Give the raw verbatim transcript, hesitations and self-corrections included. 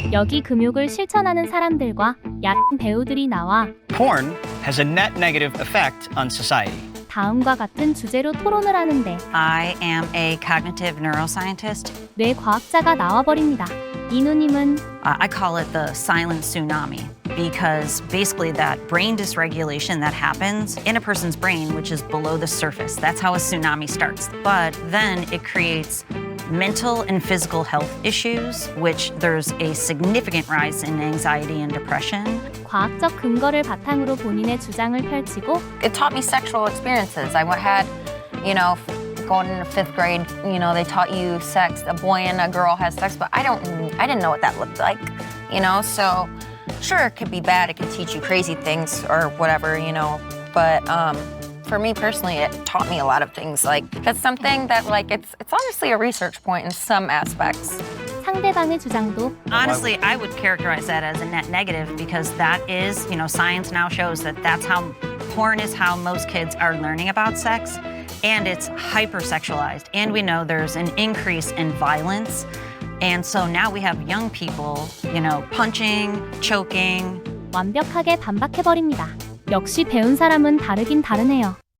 여기 금욕을 실천하는 사람들과 야생 배우들이 나와 Porn has a net negative effect on society. 다음과 같은 주제로 토론을 하는데 I am a cognitive neuroscientist. 뇌과학자가 나와버립니다. 이누님은 Uh, I call it the silent tsunami because basically that brain dysregulation that happens in a person's brain, which is below the surface, that's how a tsunami starts. But then it creates mental and physical health issues, which there's a significant rise in anxiety and depression. 과학적 근거를 바탕으로 본인의 주장을 펼치고 It taught me sexual experiences. I had, you know, going into fifth grade, you know, they taught you sex. A boy and a girl has sex, but I don't, I didn't know what that looked like, you know. So, sure, it could be bad. It could teach you crazy things or whatever, you know. But um, for me personally, it taught me a lot of things. Like that's something that, like, it's it's honestly a research point in some aspects. 상대방의 주장도 Honestly, I would characterize that as a net negative because that is, you know, science now shows that that's how porn is how most kids are learning about sex, and it's hypersexualized. And we know there's an increase in violence. And so now we have young people, you know, punching, choking. 완벽하게 반박해버립니다. 역시 배운 사람은 다르긴 다르네요.